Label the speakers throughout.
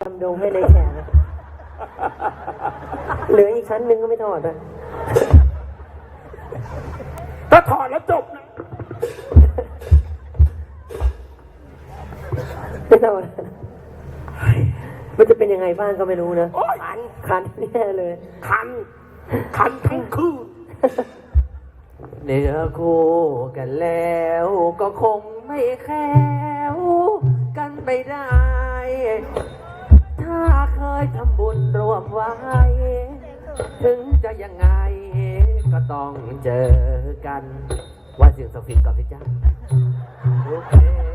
Speaker 1: ำดงให้ในแฉนะเหลืออีกชั้นหนึ่งก็ไม่ถอดอ่ะ
Speaker 2: ถ้าถอดแล้วจบนะ
Speaker 1: ไม่ถอดมันจะเป็นยังไงบ้างก็ไม่รู้นะคันแน่เลย
Speaker 2: คันทั้งคืน
Speaker 3: เนื้อคู่กันแล้วก็คงไม่แค้วกันไปได้ ถ้าเคยทำบุญรวมไว้ ถึงจะยังไงก็ต้องเจอกันว่าเสียงสฟินก่อนสิจ้าโอเค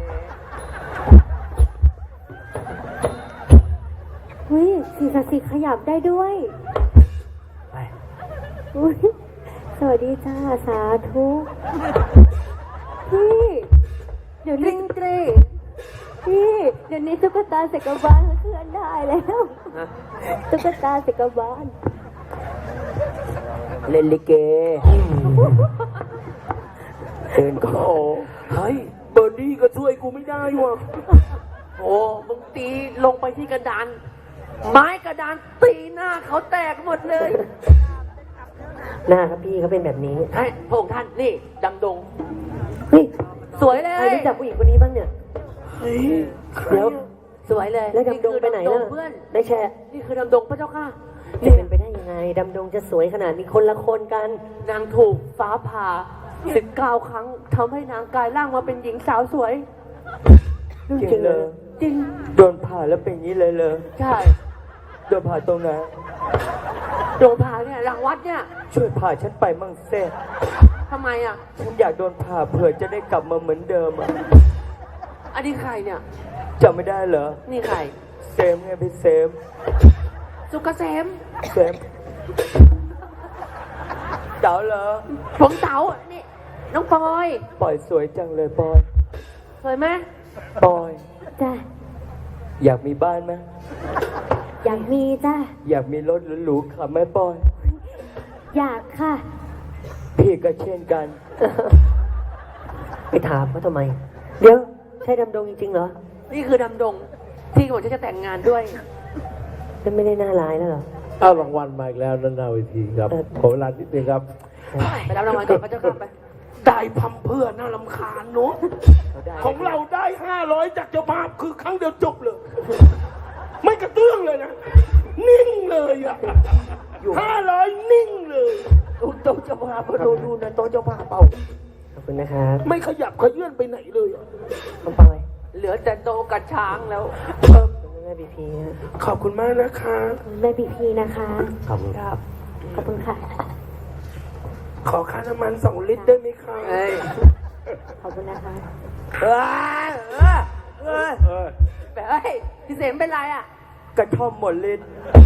Speaker 4: เฮ้ยสิ่งศักดิ์สิทธิ์ขยับได้ด้วย
Speaker 3: ไป
Speaker 4: อุ้ยสวัสดีจ้าสาธุพี่เดี๋ยวนี้พี่เดี๋ยวนี้ตุ๊กตาเสกบาลเคลื่อนได้แล้วตุ๊กตาเสกบาล
Speaker 1: เล่นลิเกเดินก็
Speaker 2: เฮ้ยเบอร์ดี้ก็ช่วยกูไม่ได้ว่ะ
Speaker 3: โอ้มึงตีลงไปที่กระดานไม้กระดานตีหน้าเขาแตกหมดเลย
Speaker 1: หน้าครับพี่เขาเป็นแบบนี้
Speaker 3: ให้พระองค์ท่านนี่ดำดง
Speaker 1: เฮ้ย
Speaker 3: สวยเลย
Speaker 1: ใครรู้จักผู้หญิงคนนี้บ้างเนี่ยเดี๋ยว
Speaker 3: สวยเลย
Speaker 1: แล้วดำดงไปไหนล่ะได้แชร์
Speaker 3: นี่คือดำดงพระเจ้าค่ะ
Speaker 1: จะเป็นไปได้ยังไงดำดงจะสวยขนาดนี้คนละคนกัน
Speaker 3: นางถูกฟ้าผ่า19 ครั้งทำให้นางกลายร่างมาเป็นหญิงสาวสวย
Speaker 1: จริงเลย
Speaker 3: จริง
Speaker 1: โดนผ่าแล้วเป็นอย่างนี้เลย
Speaker 3: ใช่
Speaker 1: โดนผ่าตรงไหน
Speaker 3: โดนผ่าเนี่ยหลังวัดเนี่ย
Speaker 1: ช่วยผ่าฉันไปมั่งเซ่
Speaker 3: ทำไมอ่ะ
Speaker 1: ฉันอยากโดนผ่าเผื่อจะได้กลับมาเหมือนเดิมอ่ะ
Speaker 3: อันนี้ใครเนี่ย
Speaker 1: จำไม่ได้เหรอ
Speaker 3: นี่ใคร
Speaker 1: เซมไงพี่เซม
Speaker 3: สุกเกษม
Speaker 1: เต๋าเหรอ
Speaker 3: ผมเต๋านี่น้องป
Speaker 1: อยสวยจังเลยปอย
Speaker 3: สวยไหม
Speaker 1: ปอย
Speaker 4: จ้ะ
Speaker 1: อยากมีบ้านไหม
Speaker 4: อยากมีจ้ะ
Speaker 1: อยากมีรถหรูๆขับไหมปอย
Speaker 4: อยากค่ะ
Speaker 1: พี่ก็เช่นกันไปถามเขาทำไมเดี๋ยวใช่ดำดงจริงๆเหรอ
Speaker 3: นี่คือดำดงที่ผมจะแต่งงานด้วย
Speaker 1: จะไม่ได้น่าร้ายแล้วเหรอ
Speaker 2: รางวัลมาอีกแล้วนั่นนาวิธีครับขอเวลานิดนึงครับ
Speaker 3: ไปรับรางวัลก่อนพระเจ้าค่ะไป
Speaker 2: ได้พัมเพื่อน่ารำคาญเนาะของเราได้500จากเจ้าภาพคือครั้งเดียวจบเลยไม่กระเตื้องเลยนะนิ่งเลยอ่ะ500นิ่งเลย
Speaker 1: โต๊ะเจ้าภาพดูนะโต๊ะเจ้าภาพเป่าขอบคุณนะครับ
Speaker 2: ไม่ขยับขยื่นไปไหนเลย
Speaker 1: มันไป
Speaker 3: เหลือแต่โตกับช้างแล้ว
Speaker 1: แม่บีพี
Speaker 2: ขอบคุณมากนะคะ
Speaker 4: แม่บีพีนะคะ
Speaker 1: ขอบคุณครับ
Speaker 4: ขอบคุณค่ะ
Speaker 2: ขอค่าน้ำมัน2 ลิตรได้ไหมคะ
Speaker 4: ขอบคุณนะคะ
Speaker 3: แบบพี่เสมเป็นไรอ่ะ
Speaker 1: กระท่อมหมดลิ้น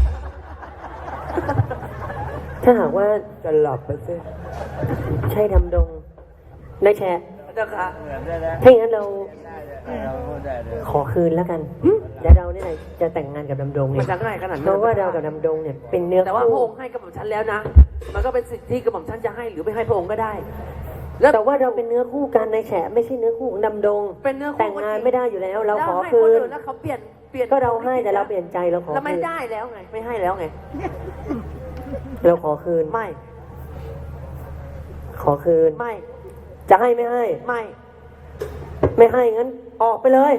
Speaker 1: ถ้าหากว่าจะหลับไปซิใช่ดำดงได้แชร์
Speaker 3: เจ้าค่ะ
Speaker 1: ถ้าอย่างนั้นเราขอคืนแล้วกันเดี๋ยวเราเนี่ยจะแต่งงานกับดำดงเนี่ย
Speaker 3: มันจะง่ายขนาดนั้น
Speaker 1: เพราะว่าเรากับดำดงเนี่ยเป็นเนื้อ
Speaker 3: แต่ว่าพระองค์ให้กระหม่อมฉันแล้วนะมันก็เป็นสิทธิที่กระหม่อมฉันจะให้หรือไม่ให้พระองค์ก็ได้
Speaker 1: แต่ว่าเราเป็นเนื้อคู่กันในแฉไม่ใช่เนื้อคู่ของดำดง
Speaker 3: เป็นเนื้อคู่
Speaker 1: แต่งงานไม่ได้อยู่แล้วเราขอคืน
Speaker 3: แล้วเขาเปลี่ยน
Speaker 1: ก็เราให้แต่เราเปลี่ยนใจเราขอ
Speaker 3: แล้วไม่ได้แล้วไงไม่ให้แล้วไง
Speaker 1: เราขอคืน
Speaker 3: ไม่
Speaker 1: ขอคืน
Speaker 3: ไม่
Speaker 1: จะให้ไม่ให้ไม่ให้งั้นออกไปเลย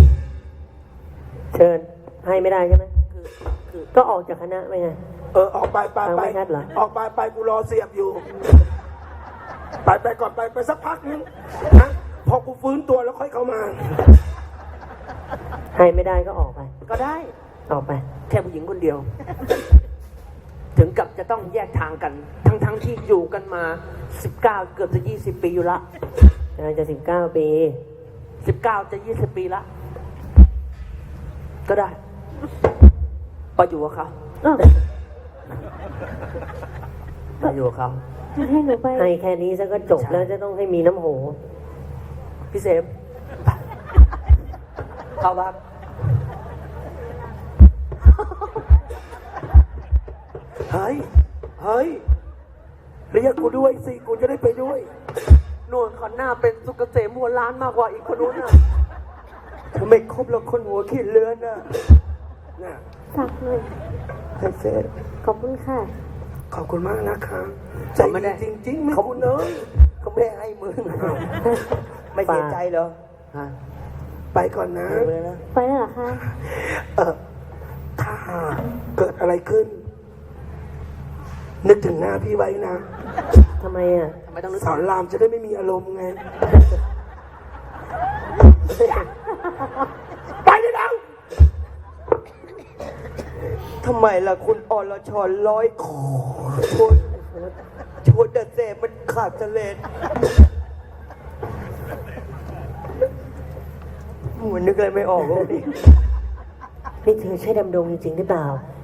Speaker 1: เชิญให้ไม่ได้ใช่ไหมคือก็ออกจากคณะไปไง
Speaker 2: ออกไปออกไปกูรอเสียบอยู่ไปก่อนไปสักพักนึงนะพอกูฟื้นตัวแล้วค่อยเข้ามา
Speaker 1: ให้ไม่ได้ก็ออกไป
Speaker 3: ก็ได้
Speaker 1: ออกไป
Speaker 3: แค่ผู้หญิงคนเดียวถึงกับจะต้องแยกทางกันทั้งที่อยู่กันมา19เกือบจะ20 ปีอยู่ละ
Speaker 1: จะ19 ปี
Speaker 3: 19จะ20 ปีละก็ได้ไปอยู่กับเขาไปอยู่กับเขา
Speaker 4: ให้หนูไป
Speaker 1: ให้แค่นี้ซะก็จบแล้วจะต้องให้มีน้ำโห
Speaker 3: พี่เสมเข้าบ้าน
Speaker 2: เฮ้ยเรียกกูด้วยสิกูจะได้ไปด้วย
Speaker 3: นวลขอนหน้าเป็นสุกเกษมหัวล้านมากกว่าอีกคนนู้นน่ะ
Speaker 1: ทำไมครบแล้วคนหัวขีดเลือนน่ะ
Speaker 2: น่ะ
Speaker 4: สักหน่อย
Speaker 1: ให้เสร็จ
Speaker 4: ขอบคุณค่ะ
Speaker 2: ขอบคุณมากนะคะใจดีจริงๆไม่คุณเอ้ย
Speaker 1: เขาไม่ได้ให้มึงไม่เสียใจเหรอ
Speaker 3: ฮะ
Speaker 2: ไปก่อนนะ
Speaker 1: ไปเลยนะ
Speaker 4: ไปแล้วเหรอคะ
Speaker 2: ถ้าเกิดอะไรขึ้น นึกถึงหน้าพี่ไว้นะ
Speaker 1: ทำไมอ่ะ
Speaker 3: ทำไมต้องนึก
Speaker 2: สอนรามจะได้ไม่มีอารมณ์ไง ไปได้แล้ว
Speaker 1: ทำไมล่ะคุณอรชรร้อยคอชนแต่เสพมันขาดเสลดเหมือนนึกอะไรไม่ออกเลยนี่เธอใช่ดำดงจริงๆหรือเปล่า